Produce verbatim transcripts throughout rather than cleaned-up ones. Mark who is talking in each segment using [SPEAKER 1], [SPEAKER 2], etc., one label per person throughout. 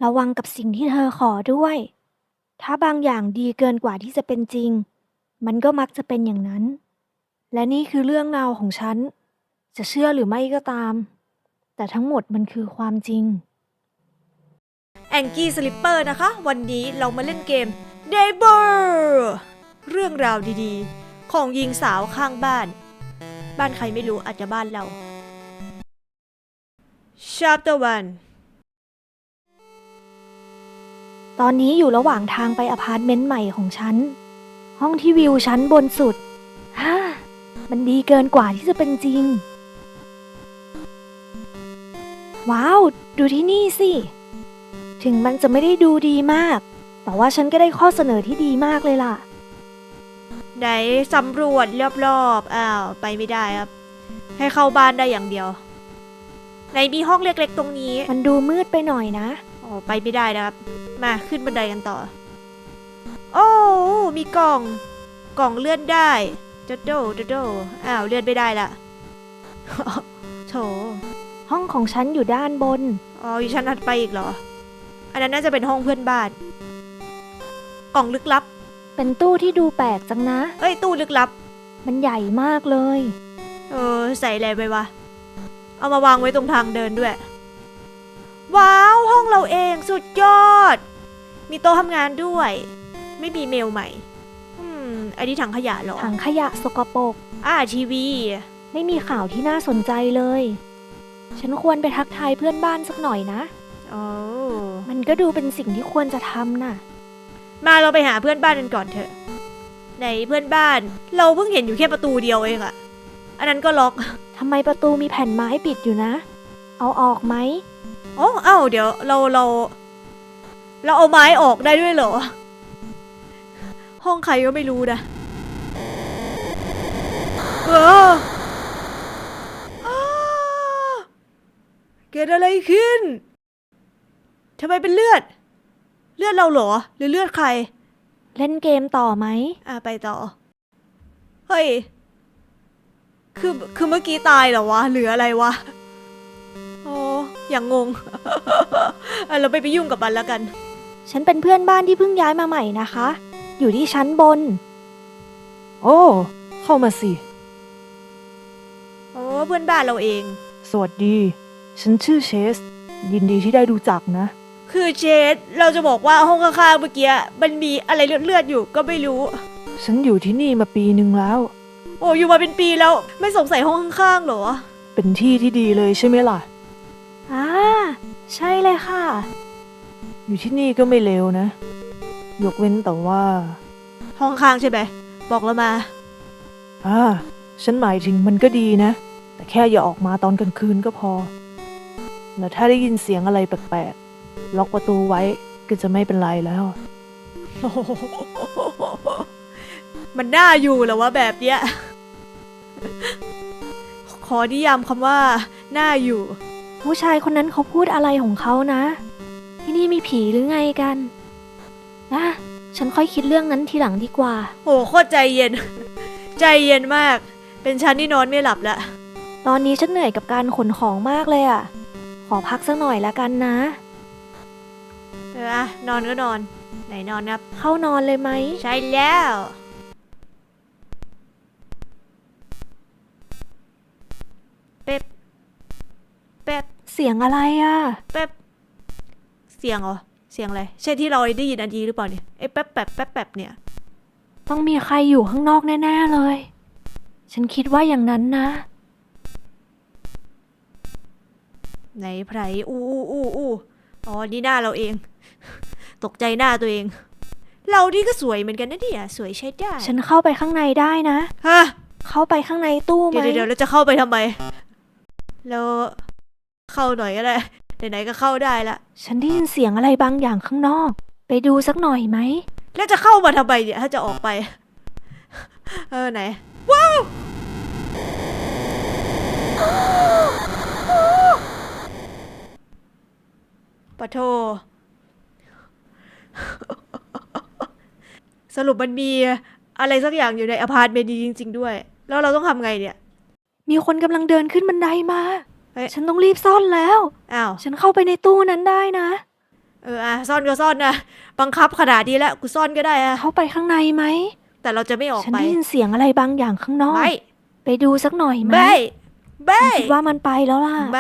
[SPEAKER 1] ระวังกับสิ่งที่เธอขอด้วย ถ้าบางอย่างดีเกินกว่าที่จะเป็นจริง มันก็มักจะเป็นอย่างนั้น และนี่คือเรื่องราวของฉัน จะเชื่อหรือไม่ก็ตาม แต่ทั้งหมดมันคือความจริง
[SPEAKER 2] แองกี้สลิปเปอร์นะคะ วันนี้เรามาเล่นเกม เดย์บอร์ เรื่องราวดีๆ ของหญิงสาวข้างบ้าน บ้านใครไม่รู้อาจจะบ้านเรา Chapter วัน
[SPEAKER 1] ตอนนี้อยู่ระหว่างทางไปอพาร์ตเมนต์ใหม่ของฉัน ห้องที่วิวชั้นบนสุดฮ่ามันดีเกินกว่าที่จะเป็นจริง ว้าว ดูที่นี่สิ ถึงมันจะไม่ได้ดูดีมาก แต่ว่าฉันก็ได้ข้อเสนอที่ดีมากเลยล่ะ
[SPEAKER 2] ไหนสำรวจรอบๆ อ้าว ไปไม่ได้ครับ ให้เข้าบ้านได้อย่างเดียวไหนมีห้องเล็กๆตรงนี้
[SPEAKER 1] มันดูมืดไปหน่อยนะ
[SPEAKER 2] อ๋อไปไม่ได้นะครับ มาขึ้นบันไดกันต่อ โอ้มีกล่อง กล่องเลื่อนได้โดโดโดโดอ้าวเลื่อนไม่ได้ละ โถ
[SPEAKER 1] ห้องของฉันอยู่ด้านบน
[SPEAKER 2] อ๋ออยู่ชั้นถัดไปอีกเหรอ อันนั้นน่าจะเป็นห้องเพื่อนบ้าน กล่องลึกลับ
[SPEAKER 1] เป็นตู้ที่ดูแปลกจังนะ
[SPEAKER 2] เอ้ยตู้ลึกลับ
[SPEAKER 1] มันใหญ่มากเลย
[SPEAKER 2] เออใส่อะไรไปวะ เอามาวางไว้ตรงทางเดินด้วย ว้าวห้องเราเองสุดยอด มีโต๊ะทำงานด้วย ไม่มีเมลใหม่ อืมอันนี้ถังขยะเหรอ
[SPEAKER 1] ถังขยะสกปรก
[SPEAKER 2] อ่าทีวี
[SPEAKER 1] ไม่มีข่าวที่น่าสนใจเลย ฉันควรไปทักทายเพื่อนบ้านสักหน่อยนะ
[SPEAKER 2] โอ้
[SPEAKER 1] มันก็ดูเป็นสิ่งที่ควรจะทำน่ะ
[SPEAKER 2] มาเราไปหาเพื่อนบ้านกันก่อนเถอะไหนเพื่อนบ้าน เราเพิ่งเห็นอยู่แค่ประตูเดียวเองอะอันนั้นก็ล็อก
[SPEAKER 1] ทำไมประตูมีแผ่นไม้ปิดอยู่นะ เอาออกไหม
[SPEAKER 2] โอ้เอ้าเดี๋ยวเราเรา เราเอาไม้ออกได้ด้วยเหรอ ห้องใครก็ไม่รู้นะเอออ้าเกิดอะไรขึ้นทำไมเป็นเลือด เลือดเราเหรอ หรือเลือดใคร
[SPEAKER 1] เล่นเกมต่อไหม
[SPEAKER 2] อ่ะไปต่อ เฮ้ย คือ คือเมื่อกี้ตายเหรอวะ หรืออะไรวะ โอ้อย่างงง อ่ะเราไปไปยุ่งกับมันแล้วกัน
[SPEAKER 1] ฉันเป็นเพื่อนบ้านที่เพิ่งย้ายมาใหม่นะคะ อยู่ที่ชั้นบน
[SPEAKER 3] โอ้ เข้ามาสิ
[SPEAKER 2] โอ้เพื่อนบ้านเราเอง
[SPEAKER 3] สวัสดี ฉันชื่อเชส ยินดีที่ได้รู้จักนะ
[SPEAKER 2] คือเชดเราจะบอกว่าห้องข้างๆเมื่อกี้มันมีอะไรเลือดๆอยู่ก็ไม่รู้
[SPEAKER 3] ฉันอยู่ที่นี่มาปีหนึ่งแล้ว
[SPEAKER 2] โอ้อยู่มาเป็นปีแล้วไม่สงสัยห้องข้างๆเหรอ
[SPEAKER 3] เป็นที่ที่ดีเลยใช่ไหมล่ะ
[SPEAKER 1] อ่า ใช่เลยค่ะ
[SPEAKER 3] อยู่ที่นี่ก็ไม่เลวนะ ยกเว้นแต่ว่า
[SPEAKER 2] ห้องข้างใช่ไหมบอกเรามา
[SPEAKER 3] อ่า ฉันหมายถึงมันก็ดีนะ แต่แค่อย่าออกมาตอนกลางคืนก็พอ แล้วถ้าได้ยินเสียงอะไรแปลกๆ ล็อกประตูไว้ก็จะไม่เป็นไรแล้ว
[SPEAKER 2] มันน่าอยู่เหรอวะแบบเนี้ย ขอนิยามคำว่าน่าอยู่
[SPEAKER 1] ผู้ชายคนนั้นเขาพูดอะไรของเขานะ ที่นี่มีผีหรือไงกันนะฉันค่อยคิดเรื่องนั้นทีหลังดีกว่า
[SPEAKER 2] โหโคตรใจเย็น ใจเย็นมาก เป็นฉันที่นอนไม่หลับละ
[SPEAKER 1] ตอนนี้ฉันเหนื่อยกับการขนของมากเลยอ่ะ ขอพักสักหน่อยละกันนะ
[SPEAKER 2] เอออะนอนก็นอน ไหนนอนครับ
[SPEAKER 1] เข้านอนเลยไหม
[SPEAKER 2] ใช่แล้วเป๊บเป๊บ
[SPEAKER 1] เสียงอะไรอ่ะ
[SPEAKER 2] เป๊บเสียงเหรอเสียงอะไรใช่ที่เราได้ยินอันดีหรือเปล่าเนี่ยไอ้แป๊บแป๊บแป๊บแป๊บเนี่ย
[SPEAKER 1] ต้องมีใครอยู่ข้างนอกแน่ๆเลย ฉันคิดว่าอย่างนั้นนะ
[SPEAKER 2] ไหนไพรอู้อู้อู้อู้อ๋อนี่หน้าเราเอง ตกใจหน้าตัวเอง เรานี่ก็สวยเหมือนกันนะเนี่ยสวยใช้ได้
[SPEAKER 1] ฉันเข้าไปข้างในได้นะ
[SPEAKER 2] ฮะ
[SPEAKER 1] เข้าไปข้างในตู้ไหม
[SPEAKER 2] เดี๋ยวเดี๋ยวเราจะเข้าไปทำไมแล้วเข้าหน่อยก็ได้ไหนๆก็เข้าได้ละ
[SPEAKER 1] ฉันได้ยินเสียงอะไรบางอย่างข้างนอก ไปดูสักหน่อยไหม
[SPEAKER 2] แล้วจะเข้ามาทำไมเนี่ยถ้าจะออกไป เออไหนว้าวปะโท สรุปมันมีอะไรสักอย่างอยู่ในอพาร์ตเมนต์นี้จริงๆด้วย แล้วเราต้องทำไงเนี่ย
[SPEAKER 1] มีคนกำลังเดินขึ้นบันไดมา
[SPEAKER 2] เฮ้ย
[SPEAKER 1] ฉันต้องรีบซ่อนแล้ว
[SPEAKER 2] อ้าว
[SPEAKER 1] ฉันเข้าไปในตู้นั้นได้นะ
[SPEAKER 2] เอออ่ะซ่อนก็ซ่อนนะบังคับขนาดนี้แล้วกูซ่อนก็ได้อะ
[SPEAKER 1] เข้าไปข้างในไหม
[SPEAKER 2] แต่เราจะไม่ออก
[SPEAKER 1] ฉัน
[SPEAKER 2] ไป
[SPEAKER 1] ได้ยินเสียงอะไรบางอย่างข้างนอก
[SPEAKER 2] ไม่
[SPEAKER 1] ไปดูสักหน่อยไหม
[SPEAKER 2] ไม่ไม่
[SPEAKER 1] ฉันคิดว่ามันไปแล้วล่ะ
[SPEAKER 2] ไม่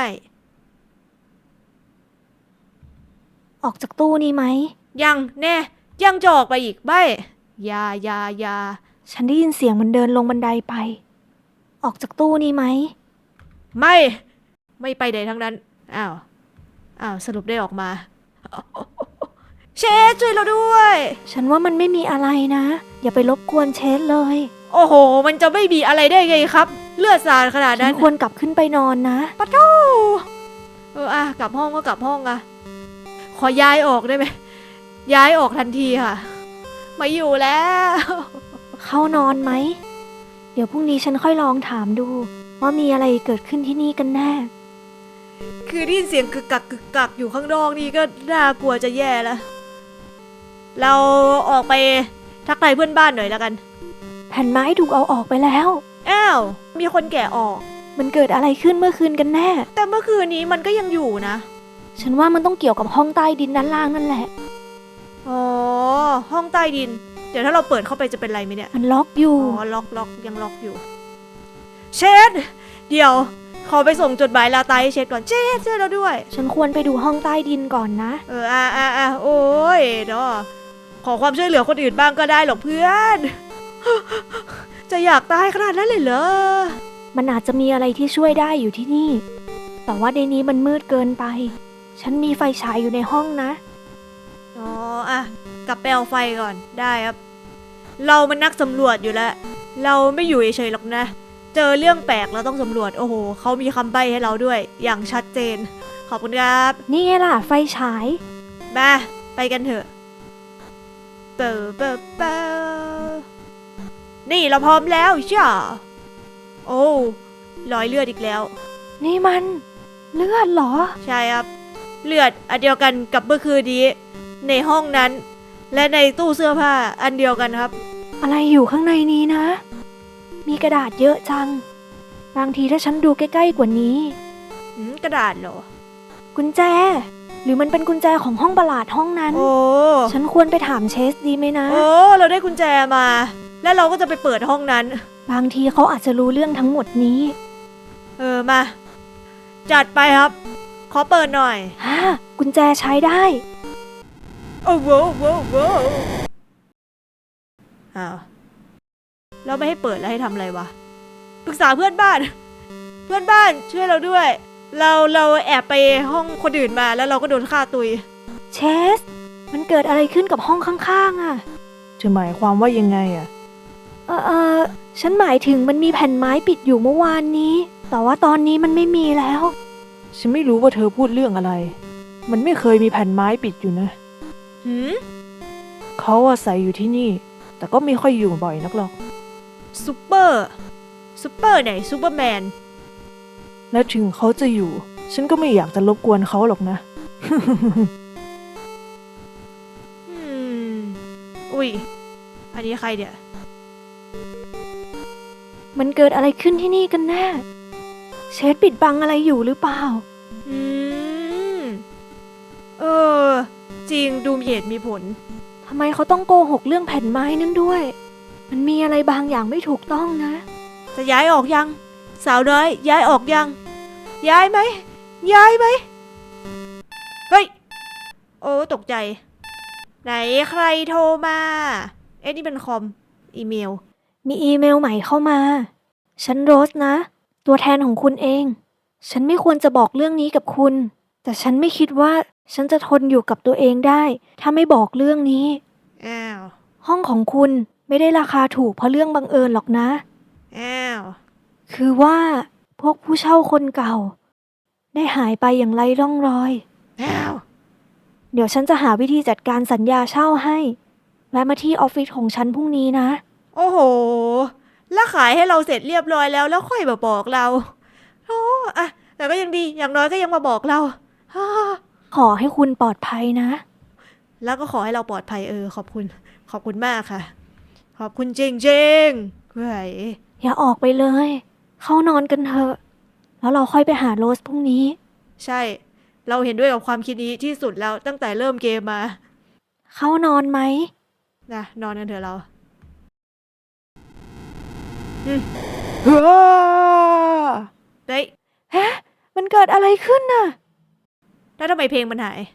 [SPEAKER 1] ออกจากตู้นี้ไหม
[SPEAKER 2] ยังแน่ยังจะออกไปอีกไม่อยาอยาอยา
[SPEAKER 1] ฉันได้ยินเสียงมันเดินลงบันไดไป ออกจากตู้นี้ไหม
[SPEAKER 2] ไม่ ไม่ไปไหนทั้งนั้นอ้าวอ้าวสรุปได้ออกมา เชดช่วยเราด้วย
[SPEAKER 1] ฉันว่ามันไม่มีอะไรนะ อย่าไปรบกวนเชสเลย
[SPEAKER 2] โอ้โห มันจะไม่มีอะไรได้ไงครับ เลือดสาดขนาด
[SPEAKER 1] ฉั
[SPEAKER 2] นั้น น
[SPEAKER 1] ควรกลับขึ้นไปนอนนะ
[SPEAKER 2] ปะทูเอออ่ะกลับห้องก็กลับห้องอะขอย้ายออกได้ไหมย้ายออกทันทีค่ะไม่อยู่แล้ว
[SPEAKER 1] เข้านอนไหม เดี๋ยวพรุ่งนี้ฉันค่อยลองถามดู ว่ามีอะไรเกิดขึ้นที่นี่กันแน่
[SPEAKER 2] คือได้ยินเสียงกึกกักกึกกักอยู่ข้างนอกนี่ก็น่ากลัวจะแย่แล้ว เราออกไปทักทายเพื่อนบ้านหน่อยแล้วกัน
[SPEAKER 1] แผ่นไม้ถูกเอาออกไปแล้ว
[SPEAKER 2] อ้าว มีคนแก่ออก
[SPEAKER 1] มันเกิดอะไรขึ้นเมื่อคืนกันแน่
[SPEAKER 2] แต่เมื่อคืนนี้มันก็ยังอยู่นะ
[SPEAKER 1] ฉันว่ามันต้องเกี่ยวกับห้องใต้ดินด้านล่างนั่นแหละ
[SPEAKER 2] อ๋อ ห้องใต้ดิน เดี๋ยวถ้าเราเปิดเข้าไปจะเป็นไรไหมเนี่ย
[SPEAKER 1] มันล็อกอยู่
[SPEAKER 2] อ๋อ ล็อกล็อกยังล็อกอยู่ เชดเดี๋ยว ขอไปส่งจดหมายลาตายให้เชดก่อน เชดช่วยเราด้วย
[SPEAKER 1] ฉันควรไปดูห้องใต้ดินก่อนนะ
[SPEAKER 2] เออ อ่ะอ่ะอ่ะโอ้ยเนาะขอความช่วยเหลือคนอื่นบ้างก็ได้หรอกเพื่อน จะอยากตายขนาดนั้นเลยเหรอ
[SPEAKER 1] มันอาจจะมีอะไรที่ช่วยได้อยู่ที่นี่ แต่ว่าในนี้มันมืดเกินไป ฉันมีไฟฉายอยู่ในห้องนะ
[SPEAKER 2] อ๋อ อ่ะ กลับไปเอาไฟก่อน ได้ครับ เรามันนักสำรวจอยู่แล้ว เราไม่อยู่เฉยๆหรอกนะ เจอเรื่องแปลกเราต้องสำรวจ โอ้โห เขามีคำใบ้ให้เราด้วย อย่างชัดเจน ขอบคุณครับ
[SPEAKER 1] นี่ไงล่ะ ไฟฉาย
[SPEAKER 2] มาไปกันเถอะเปิดเปิดเปิดนี่เราพร้อมแล้วจ้าโอ้รอยเลือดอีกแล้ว
[SPEAKER 1] นี่มันเลือดเหรอ
[SPEAKER 2] ใช่ครับ เลือดอันเดียวกันกับเมื่อคืนนี้ ในห้องนั้น และในตู้เสื้อผ้าอันเดียวกันครับ
[SPEAKER 1] อะไรอยู่ข้างในนี้นะ มีกระดาษเยอะจัง บางทีถ้าฉันดูใกล้ๆกว่านี้
[SPEAKER 2] อืมกระดาษเหรอ
[SPEAKER 1] กุญแจ หรือมันเป็นกุญแจของห้องประหลาดห้องนั้น
[SPEAKER 2] โอ้
[SPEAKER 1] ฉันควรไปถามเชสดีไหมนะ
[SPEAKER 2] โอ้เราได้กุญแจมา แล้วเราก็จะไปเปิดห้องนั้น
[SPEAKER 1] บางทีเขาอาจจะรู้เรื่องทั้งหมดนี้
[SPEAKER 2] เออมา จัดไปครับ ขอเปิดหน่อย
[SPEAKER 1] ฮ่ากุญแจใช้ได้
[SPEAKER 2] โอ้โหโว้โหอ้าวเราไม่ให้เปิดแล้วให้ทำอะไรวะปรึกษาเพื่อนบ้าน เพื่อนบ้านช่วยเราด้วย เราเราแอบไปห้องคนอื่นมาแล้วเราก็โดนฆ่าตุย
[SPEAKER 1] เชส มันเกิดอะไรขึ้นกับห้องข้างๆอ่ะ
[SPEAKER 3] จะหมายความว่ายังไงอ่ะ
[SPEAKER 1] เออเออฉันหมายถึงมันมีแผ่นไม้ปิดอยู่เมื่อวานนี้ แต่ว่าตอนนี้มันไม่มีแล้ว
[SPEAKER 3] ฉันไม่รู้ว่าเธอพูดเรื่องอะไร มันไม่เคยมีแผ่นไม้ปิดอยู่นะ
[SPEAKER 2] หืม
[SPEAKER 3] เขาอาศัยอยู่ที่นี่ แต่ก็ไม่ค่อยอยู่บ่อยนักหรอก
[SPEAKER 2] ซูเปอร์ซูเปอร์ไหนซูเปอร์แมน
[SPEAKER 3] และถึงเขาจะอยู่ ฉันก็ไม่อยากจะรบกวนเขาหรอกนะ
[SPEAKER 2] อืม อุ้ย อันนี้ใครเนี่ย
[SPEAKER 1] มันเกิดอะไรขึ้นที่นี่กันแน่ เชสปิดบังอะไรอยู่หรือเปล่า
[SPEAKER 2] อืม เออ จริงดูมีเหตุมีผล
[SPEAKER 1] ทำไมเขาต้องโกหกเรื่องแผ่นไม้นั่นด้วย มันมีอะไรบางอย่างไม่ถูกต้องนะ
[SPEAKER 2] จะย้ายออกยัง สาวน้อย ย้ายออกยัง ย้ายไหม ย้ายไหม เฮ้ย โอ้ตกใจ ไหนใครโทรมา เอ๊ะนี่เป็นคอม อีเมล
[SPEAKER 1] มีอีเมลใหม่เข้ามา ฉันโรสนะ ตัวแทนของคุณเอง ฉันไม่ควรจะบอกเรื่องนี้กับคุณ แต่ฉันไม่คิดว่าฉันจะทนอยู่กับตัวเองได้ ถ้าไม่บอกเรื่องนี้
[SPEAKER 2] อ้าว
[SPEAKER 1] ห้องของคุณไม่ได้ราคาถูกเพราะเรื่องบังเอิญหรอกนะ
[SPEAKER 2] อ้าว
[SPEAKER 1] คือว่าพวกผู้เช่าคนเก่า ได้หายไปอย่างไร้ร่องรอย
[SPEAKER 2] อ้าว
[SPEAKER 1] เดี๋ยวฉันจะหาวิธีจัดการสัญญาเช่าให้แวะมาที่ออฟฟิศของฉันพรุ่งนี้นะ
[SPEAKER 2] โอ้โห แล้วขายให้เราเสร็จเรียบร้อยแล้ว แล้วค่อยมาบอกเรา โอ้อะแต่ก็ยังดี อย่างน้อยก็ยังมาบอกเราฮ่า
[SPEAKER 1] ขอให้คุณปลอดภัยนะ
[SPEAKER 2] แล้วก็ขอให้เราปลอดภัยเออ ขอบคุณ ขอบคุณมากค่ะ ขอบคุณจริงจริงๆเฮ้ย
[SPEAKER 1] อย่าออกไปเลย เข้านอนกันเถอะ แล้วเราค่อยไปหาโรสพรุ่งนี้
[SPEAKER 2] ใช่เราเห็นด้วยกับความคิดนี้ที่สุดแล้วตั้งแต่เริ่มเกมมา
[SPEAKER 1] เข้านอนไหม
[SPEAKER 2] นะนอนกันเถอะเรา
[SPEAKER 3] ฮ่า
[SPEAKER 2] เฮ้ย
[SPEAKER 1] ฮะ มันเกิดอะไรขึ้นน่ะ
[SPEAKER 2] แล้วทำไมเพลงมันหาย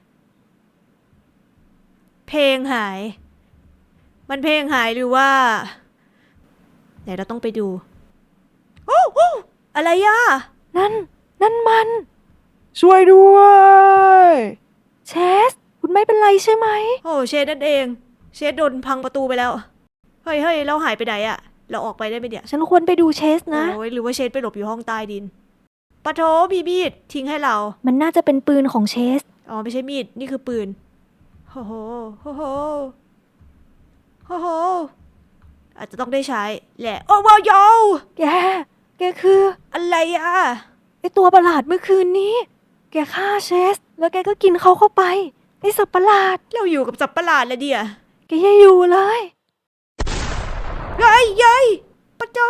[SPEAKER 2] เพลงหาย มันเพลงหายหรือว่าไหนเราต้องไปดูโอ้โอ้อะไรอ่ะ
[SPEAKER 1] นั่น นั่นมัน
[SPEAKER 3] ช่วยด้วย
[SPEAKER 1] เชส คุณไม่เป็นไรใช่ไหม
[SPEAKER 2] โอ้เชดนั่นเอง เชดโดนพังประตูไปแล้ว เฮ้ยเฮ้ยเราหายไปไหนอะเราออกไปได้ไหมเนี่ย
[SPEAKER 1] ฉันควรไปดูเชสนะ
[SPEAKER 2] โอ้ยหรือว่าเชดไปหลบอยู่ห้องใต้ดินปะโถมีมีดทิ้งให้เรา
[SPEAKER 1] มันน่าจะเป็นปืนของเชส
[SPEAKER 2] อ๋อไม่ใช่มีด นี่คือปืนโอ้โหโอ้โหโอ้โหอาจจะต้องได้ใช้แหละ โอ้ว้าวโย
[SPEAKER 1] แก แกคือ
[SPEAKER 2] อะไรอะ
[SPEAKER 1] ไอตัวประหลาดเมื่อคืนนี้ แกฆ่าเชส แล้วแกก็กินเขาเข้าไป ไอสัตว์ประหลาด
[SPEAKER 2] เราอยู่กับสัตว์ประหลาดแล้วเดีย
[SPEAKER 1] แกอย่าอยู่เลย
[SPEAKER 2] เฮ้ยเย้ยปะโจ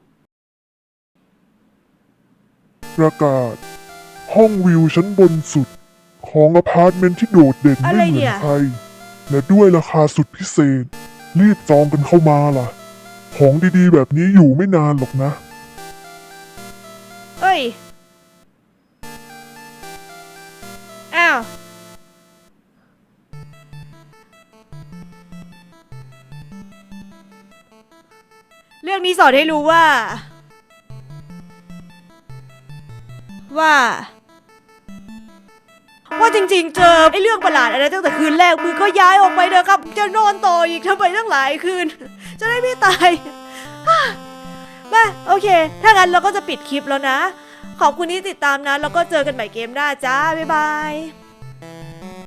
[SPEAKER 4] ประกาศ ห้องวิวชั้นบนสุด ของอพาร์ตเมนต์ที่โดดเด่น
[SPEAKER 2] อะไร
[SPEAKER 4] ไม่เหมื
[SPEAKER 2] เนี่
[SPEAKER 4] อน
[SPEAKER 2] ย
[SPEAKER 4] ใคร และด้วยราคาสุดพิเศษ รีบจองกันเข้ามาล่ะ ของดีๆ แบบนี้อยู่ไม่นานหรอกนะ
[SPEAKER 2] เอ้ย อ้าว เรื่องนี้สอนให้รู้ว่า ว่า ว่าจริงๆ เจอไอ้เรื่องประหลาดอะไรตั้งแต่คืนแรกมือก็ย้ายออกไปเถอะครับ จะนอนต่ออีกทำไมตั้งหลายคืน จะได้ไม่ตาย มาโอเค ถ้างั้นเราก็จะปิดคลิปแล้วนะ ขอบคุณที่ติดตามนะ แล้วก็เจอกันใหม่เกมหน้าจ้า บ๊ายบาย